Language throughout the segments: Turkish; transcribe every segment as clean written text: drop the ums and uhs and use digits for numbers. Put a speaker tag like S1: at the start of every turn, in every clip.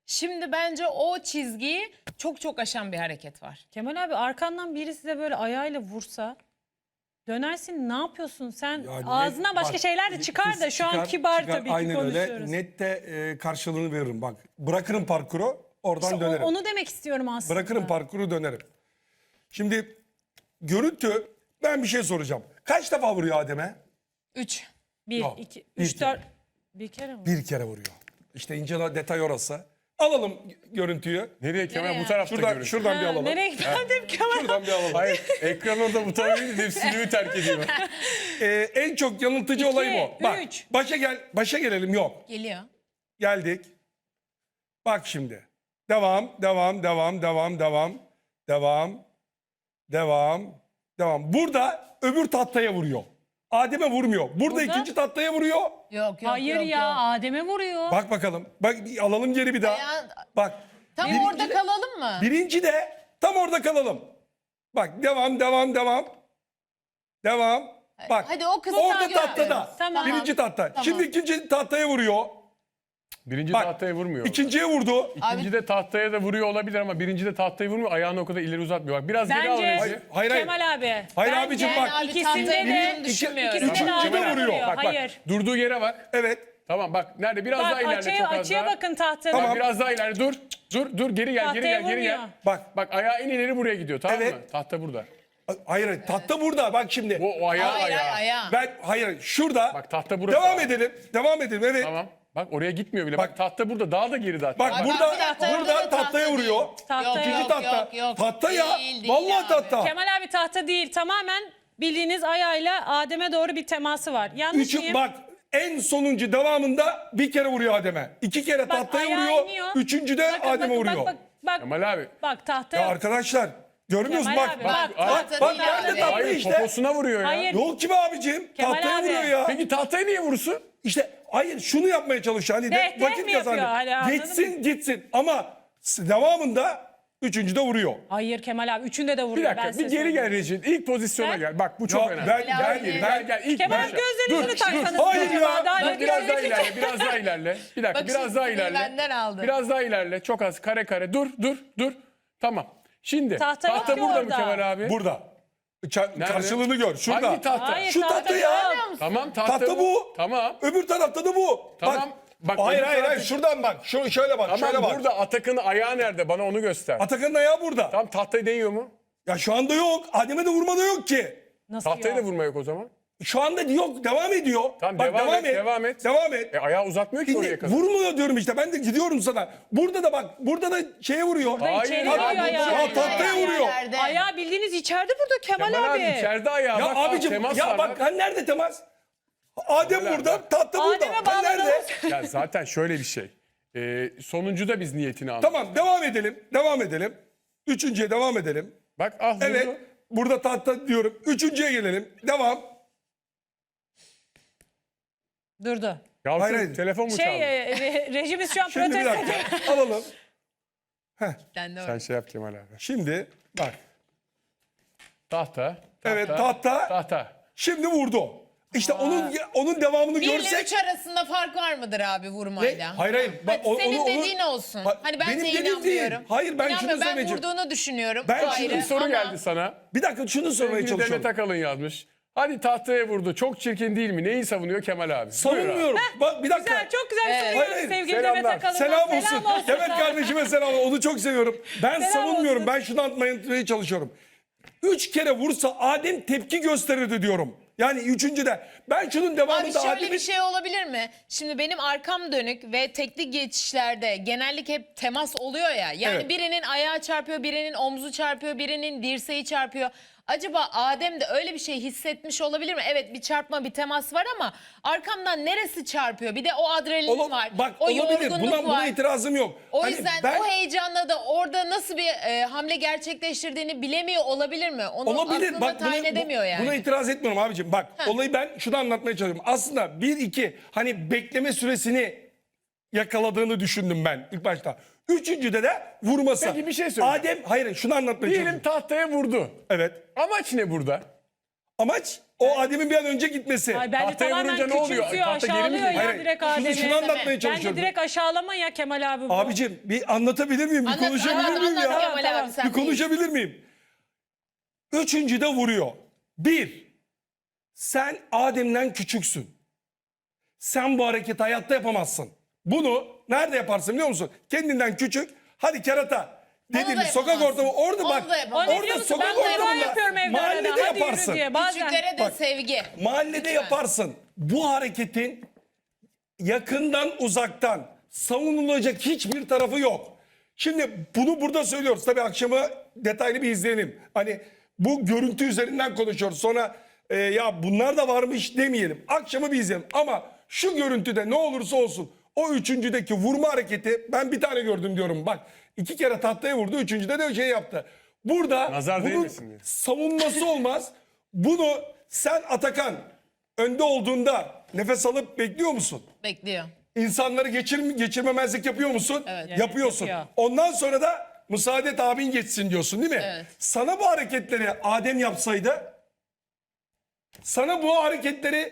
S1: Şimdi bence o çizgiyi çok aşan bir hareket var.
S2: Kemal abi arkandan biri size böyle ayağıyla vursa dönersin, ne yapıyorsun sen?
S3: Ya
S2: Ağzından başka
S3: bak,
S2: şeyler de çıkar da şu an
S3: çıkar,
S2: kibar
S3: çıkar.
S2: tabii ki
S3: Aynen
S2: konuşuyoruz.
S3: öyle. Nette karşılığını veririm bak. Bırakırım parkuru, oradan
S2: İşte
S3: dönerim.
S2: onu demek istiyorum aslında.
S3: Bırakırım parkuru, dönerim. Şimdi görüntü, ben bir şey soracağım. Kaç defa vuruyor Adem'e?
S1: 3.
S2: 1,
S3: Yok,
S2: 2,
S3: bir
S2: 3, 4. Bir kere mi?
S3: Bir kere vuruyor. İşte ince detay orası. Alalım görüntüyü.
S4: Nereye Kemal?
S1: Nereye?
S4: Bu tarafta görüntü.
S3: Şuradan bir alalım.
S2: Nereye gittim Kemal?
S3: Şuradan bir alalım.
S4: Hayır, ekran orada butonu değil, stüdyoyu terk ediyor.
S3: En çok yanıltıcı olay bu. Bak,
S2: üç.
S3: başa gelelim. Yok.
S1: Geliyor.
S3: Geldik. Bak şimdi. Devam. Burada öbür tahtaya vuruyor. Adem'e vurmuyor. Burada ikinci tahtaya vuruyor.
S1: Yok
S2: Hayır ya, Adem'e vuruyor.
S3: Bak bakalım. Bak alalım geri bir daha.
S1: Ayağı-
S3: Bak.
S1: Tam
S3: birinci
S1: orada
S3: de-
S1: kalalım mı?
S3: Birinci de tam orada kalalım. Bak devam. Bak.
S1: Hadi o kısmı
S3: orada
S1: görmüyoruz.
S3: tahtada.
S2: Tamam.
S3: Birinci tahta.
S1: Tamam.
S3: Şimdi ikinci tahtaya vuruyor.
S4: Birinci
S3: Bak,
S4: tahtaya vurmuyor.
S3: İkinciye vurdu.
S4: İkinci de tahtaya da vuruyor olabilir ama birinci de tahtaya vurmuyor. Ayağını o kadar ileri uzatmıyor. Bak biraz geri al
S2: Bence
S4: Recep.
S3: Hayır.
S2: Kemal abi.
S3: Hayır
S2: bence
S3: abicim bak.
S1: Abi
S2: İkisinde
S1: tahtayı
S2: de
S1: vurduğunu düşünmüyorum.
S2: ikisinde de
S3: Üçüncü de
S2: Adem'e
S3: vuruyor.
S2: vuruyor.
S4: Bak
S2: Hayır.
S4: durduğu yere bak.
S3: Evet.
S4: Tamam bak nerede? Biraz daha
S2: Bak
S4: ilerle çok az
S2: açıya
S4: daha.
S2: bakın tahtada.
S3: Tamam.
S4: Bak, biraz daha ilerle dur geri gel
S2: Tahtaya
S4: geri gel.
S2: vurmuyor.
S3: Bak.
S4: Bak ayağı en ileri buraya gidiyor tamam
S3: Evet.
S4: mı? Tahta burada.
S3: Hayır. Tahta burada. Bak şimdi.
S4: O ayağı
S1: Hayır
S4: ayağı.
S1: ayağı.
S3: Hayır. Şurada.
S4: Bak tahta burası.
S3: Devam edelim. Evet.
S4: Tamam. Bak oraya gitmiyor bile.
S3: Bak.
S4: Bak tahta burada. Daha da geri daha.
S3: Bak
S1: Bak,
S3: burada
S1: bir dakika, orada da
S3: tahtaya
S1: tahta
S3: vuruyor.
S1: değil.
S2: Tahtaya
S3: İkinci
S2: yok,
S3: tahta.
S1: yok.
S3: Tahta ya.
S1: Değil
S3: Vallahi
S1: abi.
S3: tahta.
S2: Kemal abi tahta değil, tamamen bildiğiniz ayağıyla Adem'e doğru bir teması var. Yanlış
S3: Üçü,
S2: mıyım?
S3: bak en sonuncu devamında bir kere vuruyor Adem'e. İki kere
S2: Bak,
S3: tahtaya
S2: ayağı
S3: vuruyor.
S2: iniyor.
S3: Üçüncü de
S2: Bakın,
S3: Adem'e
S2: bakın,
S3: vuruyor.
S2: Bak,
S4: Kemal abi.
S2: bak tahtaya.
S3: Ya arkadaşlar görmüyoruz
S2: Kemal
S3: bak.
S2: abi,
S3: Bak
S1: tahta
S3: bak
S1: değil
S3: nerede
S1: abi.
S3: tahta
S4: Hayır
S3: işte.
S4: poposuna vuruyor ya.
S2: Hayır.
S3: Yok ki be abicim.
S2: Kemal
S3: Tahtaya
S2: abi.
S3: vuruyor ya.
S4: Peki tahtaya niye vursun?
S3: İşte hayır şunu yapmaya çalışıyor. Hani
S2: Deh, deh
S3: vakit
S2: mi yapıyor?
S3: kazanıyor.
S2: Hani anladın
S3: Gitsin ama devamında üçüncü de vuruyor.
S2: Hayır Kemal abi, üçünde de vuruyor.
S4: Bir
S2: ben
S4: dakika
S2: size
S4: bir geri
S2: söyleyeyim.
S4: gel Recep. İlk pozisyona
S2: Sen-
S4: gel. Bak bu çok
S3: Ya
S4: önemli.
S3: ben
S4: İlk
S2: Kemal
S4: başla.
S2: abi gözlerinizi
S4: Dur,
S2: taksanız.
S3: Hayır
S2: acaba
S3: ya.
S2: daha
S4: Bak,
S2: net
S4: biraz daha
S2: görecek.
S4: ilerle, biraz daha ilerle. Bir dakika,
S1: Bak
S4: biraz
S1: şimdi
S4: daha
S1: seni
S4: ilerle.
S1: benden aldı.
S4: Biraz daha ilerle. Çok az kare. Dur. Tamam. Şimdi
S2: Tahta yok ki
S4: burada mı
S2: orada.
S4: Kemal abi?
S3: Burada.
S4: Nerede?
S3: Karşılığını gör. Şurada.
S4: Hangi tahta?
S2: Hayır,
S3: Şu tahta ya.
S2: yok.
S4: Tamam tahta,
S3: Tahta bu.
S4: Tamam.
S3: Öbür tarafta da bu.
S4: Tamam. Bak,
S3: hayır
S4: öbür
S3: hayır
S4: tarafta-
S3: şuradan bak. Şöyle bak.
S4: Tamam
S3: şöyle bak.
S4: burada Atakan'ın ayağı nerede? Bana onu göster.
S3: Atakan'ın ayağı burada.
S4: Tamam tahtayı değiyor mu?
S3: Ya şu anda yok. Adem'e de vurma da yok ki.
S2: Nasıl
S4: Tahtayı
S2: yok?
S4: da vurma yok o zaman.
S3: Şu anda yok. Devam ediyor.
S4: Tamam,
S3: Bak,
S4: devam et.
S3: Devam et.
S4: Ayağı uzatmıyor ki oraya
S3: Şimdi
S4: kadar.
S3: vurmuyor diyorum işte. Ben de gidiyorum sana. Burada da bak. Burada da şeye vuruyor.
S4: Hayır,
S2: İçeri
S4: hayır,
S2: vuruyor
S4: hayır,
S2: ayağı.
S3: Ya tahtaya vuruyor.
S1: Yerlerde.
S2: Ayağı bildiğiniz içeride burada Kemal,
S4: Kemal abi
S2: abi.
S4: içeride ayağı.
S3: Ya
S4: bak,
S3: abicim
S4: temas
S3: ya
S4: var
S3: bak hani nerede temas? Adem
S4: Kemal abi,
S3: burada,
S4: bak.
S3: tahta burada.
S2: Adem'e
S3: Hani nerede?
S2: bağladınız.
S4: Ya zaten şöyle bir şey. Sonuncuda biz niyetini anladık.
S3: Tamam devam edelim. Üçüncüye devam edelim.
S4: Bak ah vurdu.
S3: Evet. Burada tahta diyorum. Üçüncüye gelelim. Devam.
S2: Durdu.
S4: Ya
S3: Hayır.
S4: telefon mu çaldı?
S2: Rejimiz şu an
S3: Şimdi bir
S2: protesto ediyor.
S3: dakika. Alalım.
S1: Ben de
S4: Sen şey yap Kemal abi.
S3: Şimdi bak.
S4: Tahta.
S3: Evet tahta.
S4: Tahta.
S3: Şimdi vurdu. İşte onun devamını
S1: 1 ile
S3: görsek.
S1: 3 arasında fark var mıdır abi vurmayla?
S3: Hayır. Bak,
S1: Hadi senin dediğin olsun.
S3: Bak,
S1: Hani ben
S3: benim
S1: de
S3: dediğim
S1: inanmıyorum.
S3: değil. Hayır, ben şunu
S1: İnanmıyorum, ben
S3: söyleyeceğim.
S1: vurduğunu düşünüyorum.
S3: Ben
S1: Bu
S3: şunu
S1: ayrı
S4: Bir soru
S1: ama
S4: geldi sana.
S3: Bir dakika şunu sormaya
S4: Sevgili
S3: çalışıyorum.
S4: Demet Akalın yazmış. Hadi tahtaya vurdu. Çok çirkin değil mi? Neyi savunuyor Kemal abi? Buyur abi.
S3: Savunmuyorum. Bak bir dakika.
S2: Güzel, çok güzel
S1: Evet.
S2: soruyoruz
S3: Hayır,
S2: sevgili
S4: selamlar.
S2: Demet Akalın'a.
S3: Selam olsun. Demet kardeşime selam. Onu çok seviyorum. Ben
S2: Selam
S3: savunmuyorum.
S2: olsun.
S3: Ben şunu anlatmaya çalışıyorum. 3 kere vursa Adem tepki gösterirdi diyorum. Yani üçüncüde. Ben şunun
S1: Abi
S3: devamında
S1: şöyle
S3: Adem'in...
S1: bir şey olabilir mi? Şimdi benim arkam dönük ve tekli geçişlerde genellikle hep temas oluyor ya. Yani
S3: Evet.
S1: birinin ayağı çarpıyor, birinin omzu çarpıyor, birinin dirseği çarpıyor. Acaba Adem de öyle bir şey hissetmiş olabilir mi? Evet bir çarpma, bir temas var ama arkamdan neresi çarpıyor? Bir de o adrenalin var.
S3: Bak
S1: o
S3: olabilir.
S1: yorgunluk
S3: Buna
S1: var.
S3: itirazım yok.
S1: O
S3: Hani
S1: yüzden
S3: ben-
S1: o heyecanla da orada nasıl bir hamle gerçekleştirdiğini bilemiyor olabilir mi? Onu
S3: Olabilir.
S1: aklına
S3: Bak
S1: tayin edemiyor yani.
S3: buna itiraz etmiyorum abicim. Bak olayı ben şunu anlatmaya çalışıyorum. Aslında 1-2 hani bekleme süresini yakaladığını düşündüm ben ilk başta. Üçüncüde de vurması.
S4: Peki bir şey söyleyeceğim.
S3: Hayır şunu anlatmaya
S4: Diyelim
S3: çalışıyorum.
S4: tahtaya vurdu.
S3: Evet.
S4: Amaç ne burada?
S3: Amaç o Adem'in bir an önce gitmesi.
S2: Ay bence
S4: Tahtaya
S2: tamamen
S4: vurunca ne oluyor?
S2: küçümsüyor,
S4: Tahta geri mi
S2: aşağılıyor
S4: geliyor?
S2: ya
S3: Hayır,
S2: direkt
S3: şunu
S2: Adem'i.
S3: anlatmaya
S2: Bence
S3: çalışıyorum.
S2: direkt aşağılama ya Kemal abi bu.
S3: Abicim bir anlatabilir miyim? Bir
S1: Anlat,
S3: konuşabilir
S1: anlat,
S3: miyim
S1: anlat
S3: ya?
S1: Kemal
S2: Tamam,
S1: abi, sen
S3: Bir
S1: değil.
S3: konuşabilir miyim? Üçüncü de vuruyor. Bir, sen Adem'den küçüksün. Sen bu hareketi hayatta yapamazsın. Bunu nerede yaparsın biliyor musun? Kendinden küçük. Hadi kerata.
S1: Onu
S3: Dediğimiz
S1: da
S3: sokak
S1: yapamazsın.
S3: ortamı orada
S1: Onu
S3: bak.
S1: da
S2: O
S1: yapamazsın.
S2: ne biliyor
S3: Orada
S2: musun?
S3: sokak
S2: Ben de
S3: ortamında
S2: yapıyorum evde arada.
S3: mahallede
S2: Hadi
S3: yaparsın.
S2: yürü diye bazen.
S1: Küçüklere de
S3: Bak,
S1: sevgi.
S3: Mahallede
S1: Lütfen.
S3: yaparsın. Bu hareketin yakından uzaktan savunulacak hiçbir tarafı yok. Şimdi bunu burada söylüyoruz. Tabii akşamı detaylı bir izleyelim. Hani bu görüntü üzerinden konuşuyoruz. Sonra ya bunlar da varmış demeyelim. Akşamı bir izleyelim. Ama şu görüntüde ne olursa olsun o üçüncüdeki vurma hareketi ben bir tane gördüm diyorum. Bak 2 kere tahtaya vurdu. Üçüncüde de şey yaptı. Burada
S4: Nazar
S3: bunun
S4: değmesin diye.
S3: savunması olmaz. Bunu sen Atakan önde olduğunda nefes alıp bekliyor musun?
S1: Bekliyor.
S3: İnsanları geçirmemezlik yapıyor musun?
S1: Evet.
S3: Yapıyorsun.
S2: Yapıyor.
S3: Ondan sonra da müsaade et abin geçsin diyorsun değil mi?
S1: Evet.
S3: Sana bu hareketleri Adem yapsaydı, sana bu hareketleri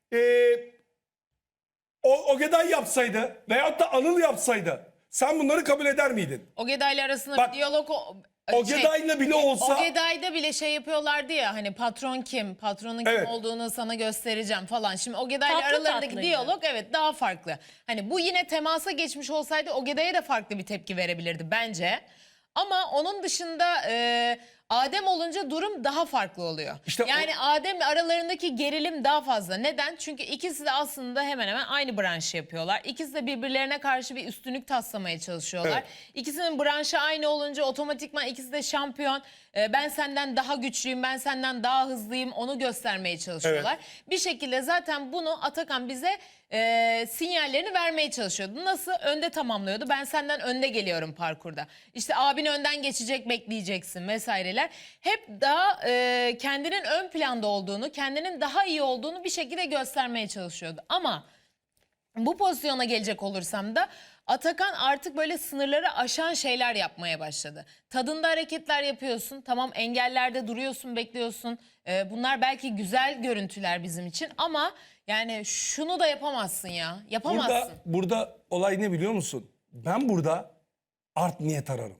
S3: Ogeday yapsaydı veyahut da Anıl yapsaydı sen bunları kabul eder miydin?
S1: Ogeday'la arasında
S3: Bak,
S1: bir diyalog
S3: Ogeday'la bile olsa
S1: Ogeday'da bile şey yapıyorlardı ya hani patron kim, patronun kim
S3: Evet.
S1: olduğunu sana göstereceğim falan. Şimdi Ogeday'la
S2: Tatlı
S1: aralarındaki
S2: tatlıydı.
S1: diyalog evet daha farklı. Hani bu yine temasa geçmiş olsaydı Ogeday'a da farklı bir tepki verebilirdi bence. Ama onun dışında Adem olunca durum daha farklı oluyor.
S3: İşte
S1: yani Adem aralarındaki gerilim daha fazla. Neden? Çünkü ikisi de aslında hemen hemen aynı branşı yapıyorlar. İkisi de birbirlerine karşı bir üstünlük taslamaya çalışıyorlar.
S3: Evet.
S1: İkisinin branşı aynı olunca otomatikman ikisi de şampiyon. Ben senden daha güçlüyüm, ben senden daha hızlıyım onu göstermeye çalışıyorlar. Bir şekilde zaten bunu Atakan bize sinyallerini vermeye çalışıyordu. Nasıl? Önde tamamlıyordu. Ben senden önde geliyorum parkurda. İşte abin önden geçecek bekleyeceksin vesaireler. Hep daha kendinin ön planda olduğunu, kendinin daha iyi olduğunu bir şekilde göstermeye çalışıyordu. Ama bu pozisyona gelecek olursam da Atakan artık böyle sınırları aşan şeyler yapmaya başladı. Tadında hareketler yapıyorsun. Tamam engellerde duruyorsun, bekliyorsun. Bunlar belki güzel görüntüler bizim için ama yani şunu da yapamazsın ya. Yapamazsın.
S3: burada olay ne biliyor musun? Ben burada art niyet ararım.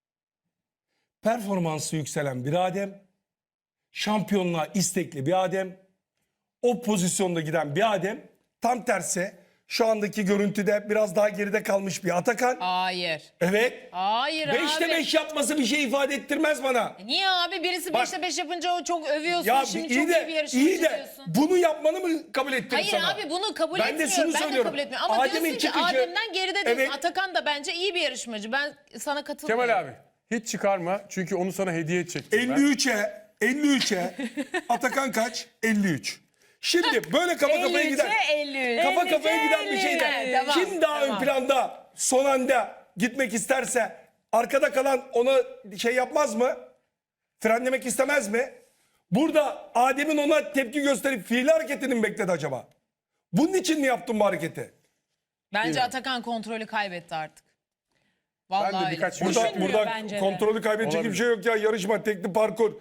S3: Performansı yükselen bir Adem, şampiyonluğa istekli bir Adem, o pozisyonda giden bir Adem, tam tersi şu andaki görüntüde biraz daha geride kalmış bir Atakan.
S1: Hayır.
S3: Evet.
S1: Hayır abi.
S3: 5'te 5 yapması bir şey ifade ettirmez bana.
S1: Niye abi? Birisi
S3: Bak-
S1: 5'te 5 yapınca o çok övüyorsun.
S3: Ya
S1: Şimdi
S3: iyi
S1: çok iyi bir
S3: de
S1: yarışmacı diyorsun.
S3: bunu yapmanı mı kabul ettirir
S1: Hayır
S3: sana?
S1: abi bunu kabul
S3: Ben de
S1: etmiyorum.
S3: şunu
S1: Ben de
S3: söylüyorum.
S1: kabul etmiyorum. Ama
S3: Adem'in
S1: diyorsun ki
S3: çıkışı-
S1: Adem'den geride diyorsun.
S3: Evet.
S1: Atakan da bence iyi bir yarışmacı. Ben sana katılmıyorum.
S4: Kemal abi hiç çıkarma çünkü onu sana hediye edecektim ben.
S3: 53'e Atakan kaç? 53. Şimdi böyle kafa kafaya giden
S1: 53.
S3: kafa kafaya giden bir
S2: 53.
S3: şeyde
S1: Evet, tamam,
S3: kim daha
S1: tamam.
S3: ön planda son anda gitmek isterse arkada kalan ona şey yapmaz mı? Frenlemek istemez mi? Burada Adem'in ona tepki gösterip fiili hareketini mi bekledi acaba? Bunun için mi yaptın bu hareketi?
S1: Bence Atakan kontrolü kaybetti artık. Vallahi
S4: Ben de
S1: öyle.
S4: birkaç
S3: Burada,
S2: Düşünmüyor
S3: burada
S2: bence de.
S3: kontrolü kaybedecek
S4: Olabilir.
S3: bir şey yok ya. Yarışma, tekli parkur,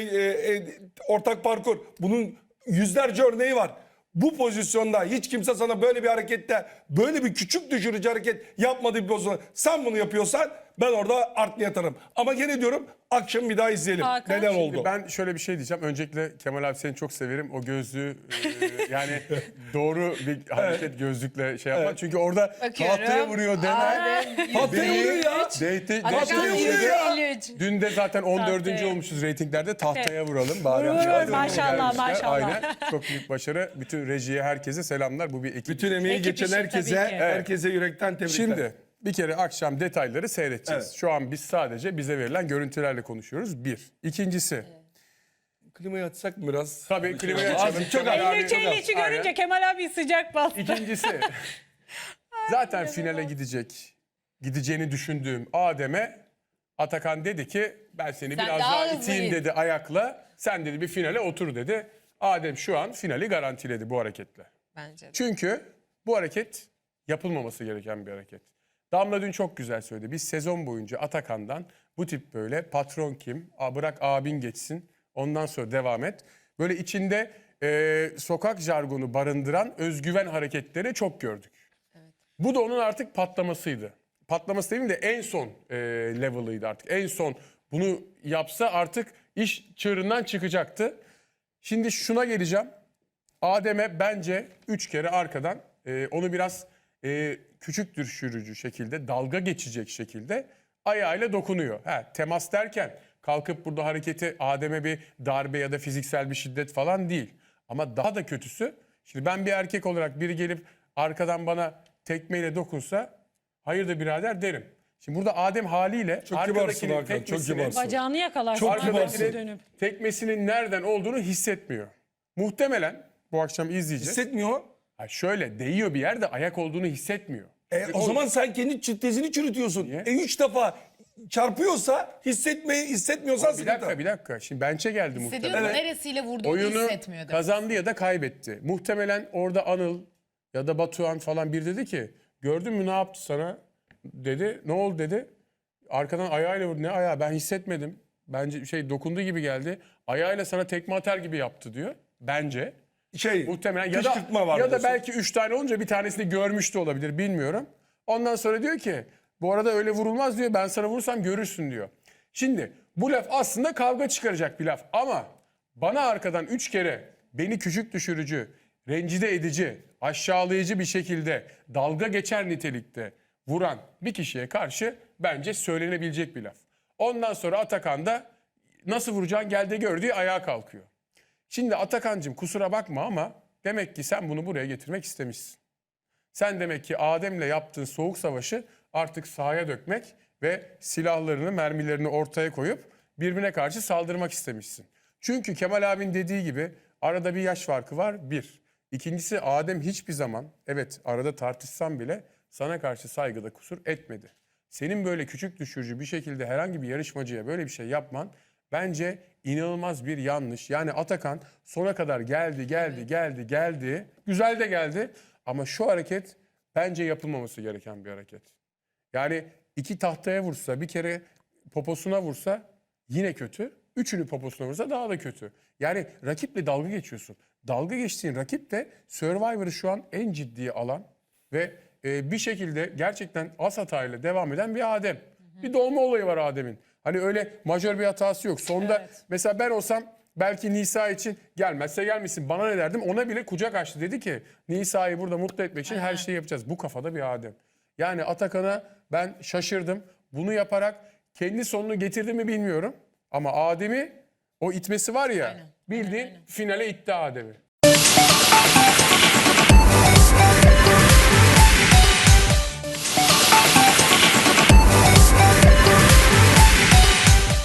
S3: ortak parkur. Bunun yüzlerce örneği var. Bu pozisyonda hiç kimse sana böyle bir harekette, böyle bir küçük düşürücü hareket yapmadığı bir pozisyonda sen bunu yapıyorsan ben orada art niyet ararım. Ama gene diyorum akşam bir daha izleyelim.
S2: Hakan,
S3: Neden
S2: şimdi
S3: oldu?
S4: Ben şöyle bir şey diyeceğim. Öncelikle Kemal abi seni çok severim. O gözlüğü yani doğru bir hareket gözlükle şey yapmak. Çünkü orada
S1: Bakıyorum.
S4: tahtaya vuruyor denen.
S3: Tahtaya vuruyor ya.
S1: Atakan
S3: Tahtaya vuruyor ya.
S1: 53.
S4: Dün de zaten 14.
S2: Tahtaya.
S4: olmuşuz reytinglerde. Tahtaya vuralım. Bari
S2: Vurur,
S4: Hadi
S2: maşallah,
S4: gelmişler.
S2: maşallah.
S4: Aynen. Çok büyük başarı. Bütün rejiye, herkese selamlar. Bu bir ekip.
S3: Bütün emeği
S2: Ekip
S3: geçen
S2: işi
S3: herkese,
S2: tabii ki.
S3: herkese yürekten tebrikler.
S4: Şimdi bir kere akşam detayları seyredeceğiz.
S3: Evet.
S4: Şu an biz sadece bize verilen görüntülerle konuşuyoruz. Bir. İkincisi.
S3: Klimayı açsak mı biraz?
S4: Tabii klimayı açalım.
S3: Çok
S4: Kemal abi-
S2: 53-53'ü
S4: Aynen.
S2: görünce Kemal abi sıcak bastı.
S4: İkincisi. Zaten finale gideceğini düşündüğüm Adem'e Atakan dedi ki ben seni
S1: Sen
S4: biraz
S1: daha
S4: daha
S1: hızlı
S4: iteyim
S1: git.
S4: dedi ayakla. Sen dedi bir finale otur dedi. Adem şu an finali garantiledi bu hareketle.
S1: Bence de.
S4: Çünkü bu hareket yapılmaması gereken bir hareket. Damla dün çok güzel söyledi. Biz sezon boyunca Atakan'dan bu tip böyle patron kim, bırak abin geçsin, ondan sonra devam et. böyle içinde sokak jargonu barındıran özgüven hareketleri çok gördük. Bu da onun artık patlamasıydı. Patlaması demeyeyim de en son level'ıydı artık. En son bunu yapsa artık iş çığırından çıkacaktı. Şimdi şuna geleceğim. Adem'e bence 3 kere arkadan onu biraz küçük düşürücü şekilde, dalga geçecek şekilde ayağıyla dokunuyor. Temas derken kalkıp burada hareketi Adem'e bir darbe ya da fiziksel bir şiddet falan değil. Ama daha da kötüsü, şimdi ben bir erkek olarak biri gelip arkadan bana tekmeyle dokunsa hayırdır birader derim. Şimdi burada Adem haliyle
S3: Çok kibarsın Hakan, çok
S4: tekmesinin,
S3: kibarsın.
S2: Bacağını yakalarsın.
S3: Çok
S2: arkasına
S3: kibarsın.
S2: dönüp.
S4: tekmesinin nereden olduğunu hissetmiyor. Muhtemelen bu akşam izleyeceğiz.
S3: Hissetmiyor.
S4: Şöyle değiyor bir yerde ayak olduğunu hissetmiyor.
S3: O zaman sen kendi tezini çürütüyorsun.
S4: Niye?
S3: 3 defa çarpıyorsa hissetmiyorsan
S4: Bir dakika. Şimdi bench'e geldi
S1: Hissediyor
S4: muhtemelen.
S1: mu? Neresiyle vurduğunu
S4: Oyunu
S1: hissetmiyor demek.
S4: kazandı ya da kaybetti. Muhtemelen orada Anıl ya da Batuhan falan bir dedi ki gördün mü ne yaptı sana dedi. Ne oldu dedi. Arkadan ayağıyla vurdu. Ne ayağı, ben hissetmedim. Bence dokunduğu gibi geldi. Ayağıyla sana tekme atar gibi yaptı diyor. Bence. Muhtemelen
S3: kışkırtma var
S4: ya da
S3: diyorsun.
S4: belki 3 tane olunca bir tanesini görmüş de olabilir, bilmiyorum. Ondan sonra diyor ki bu arada öyle vurulmaz diyor, ben sana vurursam görürsün diyor. Şimdi bu laf aslında kavga çıkaracak bir laf ama bana arkadan 3 kere beni küçük düşürücü, rencide edici, aşağılayıcı bir şekilde dalga geçer nitelikte vuran bir kişiye karşı bence söylenebilecek bir laf. Ondan sonra Atakan da nasıl vuracağın gel de gör diye ayağa kalkıyor. Şimdi Atakan'cığım kusura bakma ama demek ki sen bunu buraya getirmek istemişsin. Sen demek ki Adem'le yaptığın soğuk savaşı artık sahaya dökmek ve silahlarını, mermilerini ortaya koyup birbirine karşı saldırmak istemişsin. Çünkü Kemal abinin dediği gibi arada bir yaş farkı var, bir. İkincisi Adem hiçbir zaman, evet arada tartışsam bile sana karşı saygıda kusur etmedi. Senin böyle küçük düşürücü bir şekilde herhangi bir yarışmacıya böyle bir şey yapman bence inanılmaz bir yanlış. Yani Atakan sona kadar geldi. Güzel de geldi ama şu hareket bence yapılmaması gereken bir hareket. Yani 2 tahtaya vursa, bir kere poposuna vursa yine kötü. 3'ünü poposuna vursa daha da kötü. Yani rakiple dalga geçiyorsun. Dalga geçtiğin rakip de Survivor'ı şu an en ciddiye alan ve bir şekilde gerçekten az hatayla devam eden bir Adem. Bir dolma olayı var Adem'in. Hani öyle majör bir hatası yok. Sonda mesela ben olsam belki Nisa için gelmezse gelmesin bana ne derdim. Ona bile kucak açtı. Dedi ki Nisa'yı burada mutlu etmek için her şeyi yapacağız. Bu kafada bir Adem. Yani Atakan'a ben şaşırdım. Bunu yaparak kendi sonunu getirdi mi bilmiyorum. Ama Adem'i o itmesi var ya bildiğin finale itti Adem'i.